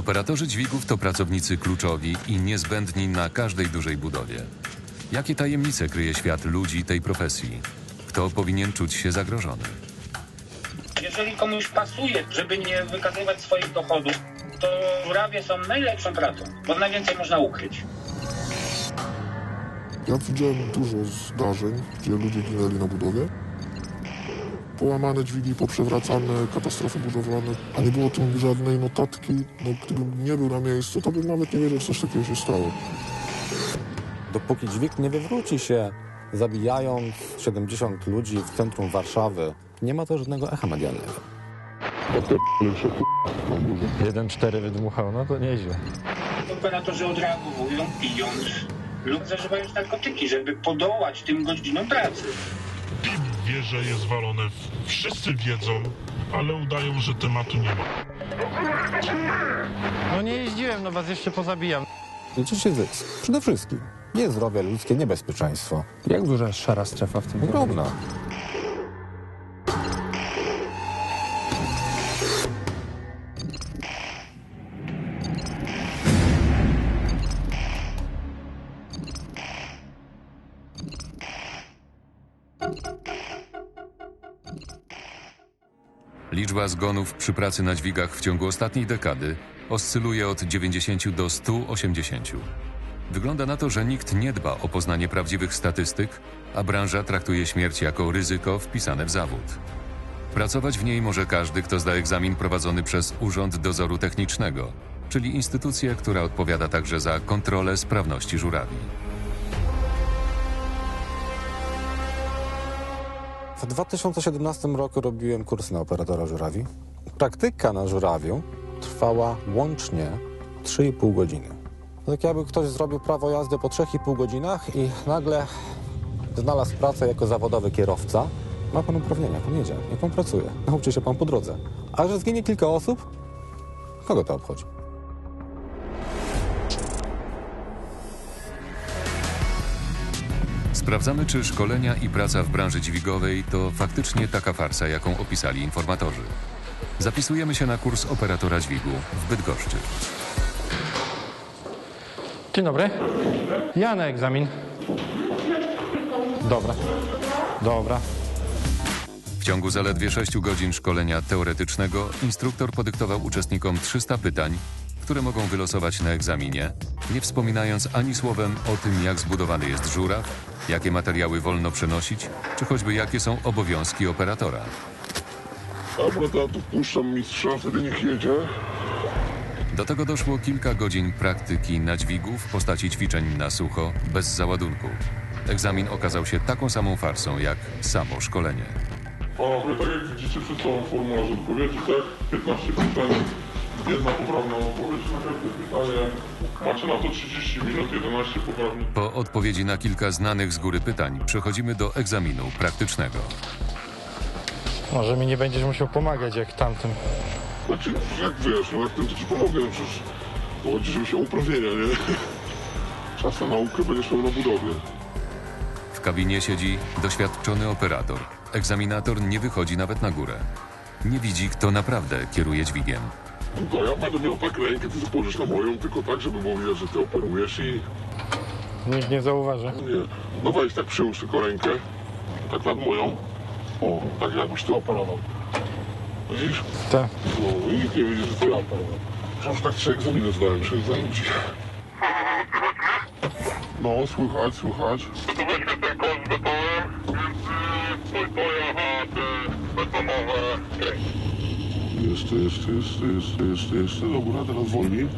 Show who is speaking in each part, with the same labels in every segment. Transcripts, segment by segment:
Speaker 1: Operatorzy dźwigów to pracownicy kluczowi i niezbędni na każdej dużej budowie. Jakie tajemnice kryje świat ludzi tej profesji? Kto powinien czuć się zagrożony?
Speaker 2: Jeżeli komuś pasuje, żeby nie wykazywać swoich dochodów, to żurawie są najlepszą pracą, bo najwięcej można ukryć.
Speaker 3: Ja widziałem dużo zdarzeń, gdzie ludzie ginęli na budowie. Połamane dźwigi, poprzewracane, katastrofy budowlane, a nie było tu żadnej notatki. No, gdybym nie był na miejscu, to bym nawet nie wiedział, że coś takiego się stało.
Speaker 4: Dopóki dźwig nie wywróci się, zabijając 70 ludzi w centrum Warszawy, nie ma to żadnego echa medialnego.
Speaker 5: 1,4 wydmuchał, no to nieźle.
Speaker 2: Operatorzy odreagowują pijąc lub zażywając narkotyki, żeby podołać tym godzinom pracy.
Speaker 6: PIP wie, że jest walone, wszyscy wiedzą, ale udają, że tematu nie ma.
Speaker 5: No nie jeździłem, no was jeszcze pozabijam.
Speaker 4: Liczy się zysk. Przede wszystkim. Nie zdrowie ludzkie, nie bezpieczeństwo.
Speaker 5: Jak duża jest szara strefa w tym
Speaker 4: Ogromna.
Speaker 1: Liczba zgonów przy pracy na dźwigach w ciągu ostatniej dekady oscyluje od 90 do 180. Wygląda na to, że nikt nie dba o poznanie prawdziwych statystyk, a branża traktuje śmierć jako ryzyko wpisane w zawód. Pracować w niej może każdy, kto zda egzamin prowadzony przez Urząd Dozoru Technicznego, czyli instytucję, która odpowiada także za kontrolę sprawności żurawi.
Speaker 4: W 2017 roku robiłem kurs na operatora żurawi. Praktyka na żurawiu trwała łącznie 3,5 godziny. Tak jakby ktoś zrobił prawo jazdy po 3,5 godzinach i nagle znalazł pracę jako zawodowy kierowca. Ma pan uprawnienia, jak pan jedzie, jak pan pracuje. Nauczy się pan po drodze. A że zginie kilka osób, kogo to obchodzi?
Speaker 1: Sprawdzamy, czy szkolenia i praca w branży dźwigowej to faktycznie taka farsa, jaką opisali informatorzy. Zapisujemy się na kurs operatora dźwigu w Bydgoszczy.
Speaker 5: Dzień dobry. Ja na egzamin. Dobra.
Speaker 1: W ciągu zaledwie 6 godzin szkolenia teoretycznego instruktor podyktował uczestnikom 300 pytań, które mogą wylosować na egzaminie, nie wspominając ani słowem o tym, jak zbudowany jest żuraw, jakie materiały wolno przenosić, czy choćby jakie są obowiązki operatora.
Speaker 3: Dobra, to ja tu wpuszczam mistrza, wtedy niech jedzie.
Speaker 1: Do tego doszło kilka godzin praktyki na dźwigu w postaci ćwiczeń na sucho, bez załadunku. Egzamin okazał się taką samą farsą, jak samo szkolenie.
Speaker 3: Panowie, tak jak widzicie przed sobą formularz odpowiedzi, tak? 15 pytań, jedna poprawna odpowiedź na każde pytanie. Macie na to 30 minut, 11 poprawnych.
Speaker 1: Po odpowiedzi na kilka znanych z góry pytań przechodzimy do egzaminu praktycznego.
Speaker 5: Może mi nie będziesz musiał pomagać jak tamtym.
Speaker 3: Znaczy, jak wiesz, no jak tym to ci pomogę, no przecież to chodzi, żeby się uprawnienia, nie? Czas na naukę będziesz miał na budowie.
Speaker 1: W kabinie siedzi doświadczony operator. Egzaminator nie wychodzi nawet na górę. Nie widzi, kto naprawdę kieruje dźwigiem.
Speaker 3: No to ja będę miał tak rękę, ty spojrzysz na moją, tylko tak, żeby było widać, że ty operujesz i...
Speaker 5: Nikt nie zauważy.
Speaker 3: Nie. No weź tak przyłóż tylko rękę, tak nad moją. O, tak jakbyś ty operował. Widzisz?
Speaker 5: Tak.
Speaker 3: No i nikt nie widzi, że ty operował. Przecież tak 3 egzaminy zdałem, 3 egzaminy. No, słychać. Jeszcze. Dobra, teraz wolniej.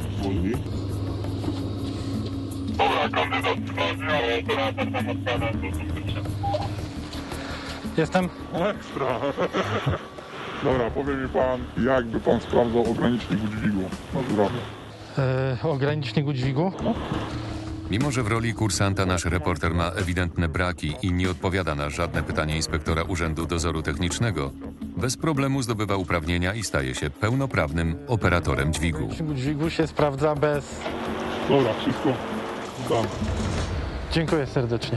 Speaker 5: Jestem?
Speaker 3: Ekstra. Dobra, powie mi pan, jakby pan sprawdzał ogranicznik dźwigu na żurawie.
Speaker 5: Ogranicznik dźwigu?
Speaker 1: Mimo że w roli kursanta nasz reporter ma ewidentne braki i nie odpowiada na żadne pytanie inspektora Urzędu Dozoru Technicznego, bez problemu zdobywa uprawnienia i staje się pełnoprawnym operatorem dźwigu.
Speaker 5: Ogranicznik dźwigu się sprawdza bez...
Speaker 3: Dobra, wszystko zdam.
Speaker 5: Dziękuję serdecznie.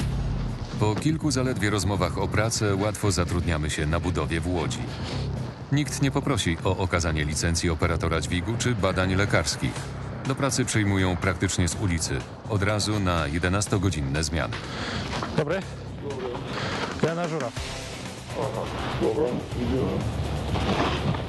Speaker 1: Po kilku zaledwie rozmowach o pracę łatwo zatrudniamy się na budowie w Łodzi. Nikt nie poprosi o okazanie licencji operatora dźwigu czy badań lekarskich. Do pracy przyjmują praktycznie z ulicy, od razu na 11-godzinne zmiany.
Speaker 5: Dobry? Ja na Żuraw.
Speaker 3: Dobra, idziemy.